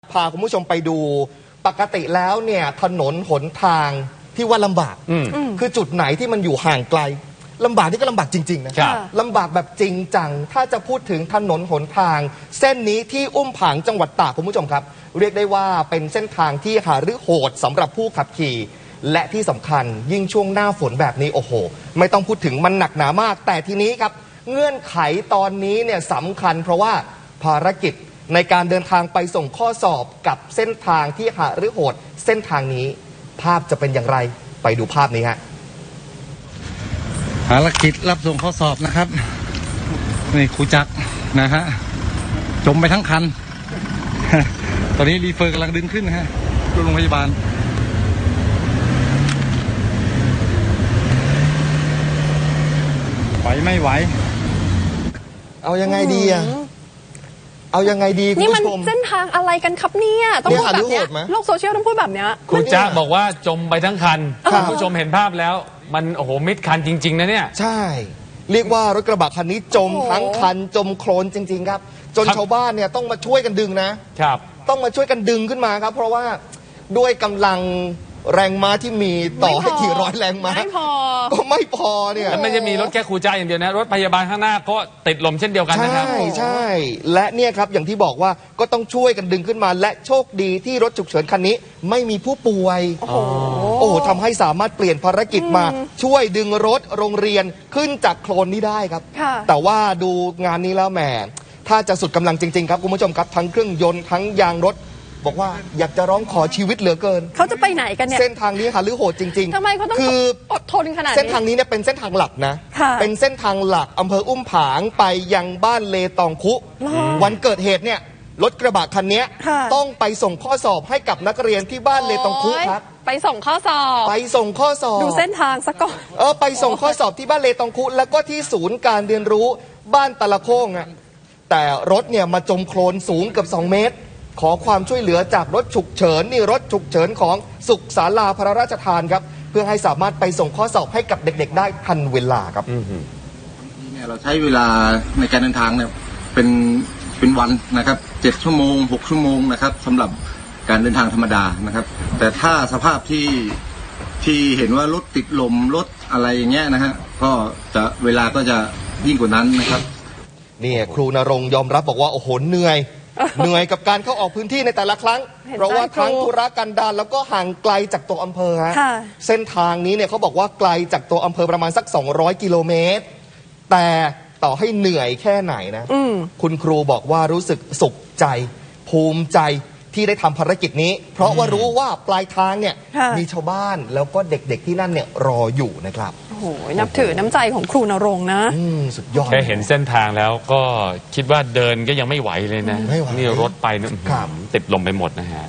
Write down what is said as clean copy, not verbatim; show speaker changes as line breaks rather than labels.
พาคุณผู้ชมไปดูปกติแล้วเนี่ยถนนหนทางที่ว่าลำบากคือจุดไหนที่มันอยู่ห่างไกลลำบากนี่ก็ลำบากจริงๆนะลำบากแบบจริงจังถ้าจะพูดถึงถนนหนทางเส้นนี้ที่อุ้มผางจังหวัดตากคุณผู้ชมครับเรียกได้ว่าเป็นเส้นทางที่หารือโหดสำหรับผู้ขับขี่และที่สำคัญยิ่งช่วงหน้าฝนแบบนี้โอ้โหไม่ต้องพูดถึงมันหนักหนามากแต่ทีนี้ครับเงื่อนไขตอนนี้เนี่ยสำคัญเพราะว่าภารกิจในการเดินทางไปส่งข้อสอบกับเส้นทางที่หารือโหดเส้นทางนี้ภาพจะเป็นอย่างไรไปดูภาพนี้ฮะ
ภารกิจรับส่งข้อสอบนะครับนี่ครูจักรนะฮะจมไปทั้งคัน ตอนนี้รีเฟอร์กำลังดึงขึ้นนะฮะโรงพยาบาลไหวไม่ไหว
เอายังไงดีอะเอายังไงดีคุณผู้ชม
นี่มันเส้นทางอะไรกันครับเนี่ยต้องพูดแบบนี้โลกโซเชียลต้องพูดแบบนี้
ครูจ้าบอกว่าจมไปทั้งคันคุณผู้ชมเห็นภาพแล้วมันโอ้โหมิดคันจริงๆนะเนี่ย
ใช่เรียกว่ารถกระบะคันนี้จมทั้งคันจมโคลนจริงๆครับจนชาวบ้านเนี่ยต้องมาช่วยกันดึงนะครับต้องมาช่วยกันดึงขึ้นมาครับเพราะว่าด้วยกำลังแรงม้าที่มีต่อให้กี่ร้อยแรงม้าก็ไม่พอเนี่ย
แล้วไม่ใช่มีรถแค่ครูจ้าอย่างเดียวนะรถพยาบาลข้างหน้าก็ติดลมเช่นเดียวกันนะครับ
ใช่และเนี่ยครับอย่างที่บอกว่าก็ต้องช่วยกันดึงขึ้นมาและโชคดีที่รถฉุกเฉินคันนี้ไม่มีผู้ป่วยโอ้ทำให้สามารถเปลี่ยนภารกิจมาช่วยดึงรถโรงเรียนขึ้นจากโคลนนี้ได้ครับแต่ว่าดูงานนี้แล้วแหมถ้าจะสุดกำลังจริงๆครับคุณผู้ชมครับทั้งเครื่องยนต์ทั้งยางรถบอกว่าอยากจะร้องขอชีวิตเหลือเกิน
เขาจะไปไหนกันเนี่ย
เส้นทางนี้หารือโหดจริง
ๆทำไมเขาต้องอดทนขนาดนี้
เส้นทางนี้เนี่ยเป็นเส้นทางหลักนะเป็นเส้นทางหลักอำเภออุ้มผางไปยังบ้านเลตองคุวันเกิดเหตุเนี่ยรถกระบะคันนี้ต้องไปส่งข้อสอบให้กับนักเรียนที่บ้านเลตองคุครับ
ไปส่งข้อสอบ
ไปส่งข้อสอบ
ดูเส้นทางซะก่อน
ไปส่งข้อสอบที่บ้านเลตองคุแล้วก็ที่ศูนย์การเรียนรู้บ้านตะละโค้งอ่ะแต่รถเนี่ยมาจมโคลนสูงเกือบ2 เมตรขอความช่วยเหลือจากรถฉุกเฉินนี่รถฉุกเฉินของสุขศาลาพระราชทานครับเพื่อให้สามารถไปส่งข้อสอบให้กับเด็กๆได้ทันเวลาครับ
เนี่ยเราใช้เวลาในการเดินทางเนี่ยเป็นวันนะครับ7 ชั่วโมง 6 ชั่วโมงนะครับสำหรับการเดินทางธรรมดานะครับแต่ถ้าสภาพที่เห็นว่ารถติดลมรถอะไรอย่างเงี้ยนะฮะก็จะเวลาก็จะยิ่งกว่านั้นนะครับ
นี่ครูณรงค์ยอมรับบอกว่าโอ้โหเหนื่อยกับการเข้าออกพื้นที่ในแต่ละครั้งเพราะว่าทั้งธุรกันดารแล้วก็ห่างไกลจากตัวอำเภอฮะเส้นทางนี้เนี่ยเขาบอกว่าไกลจากตัวอำเภอประมาณสัก200 กิโลเมตรแต่ต่อให้เหนื่อยแค่ไหนนะคุณครูบอกว่ารู้สึกสุขใจภูมิใจที่ได้ทำภารกิจนี้เพราะว่ารู้ว่าปลายทางเนี่ยมีชาวบ้านแล้วก็เด็กๆที่นั่นเนี่ยรออยู่นะครับ
โอ้โหนับถือน้ำใจของครูณรงค์นะ
สุดยอด
แค่เห็นเส้นทางแล้วก็คิดว่าเดินก็ยังไม่ไหวเลยนะนี่รถไปติดลมไปหมดนะฮะ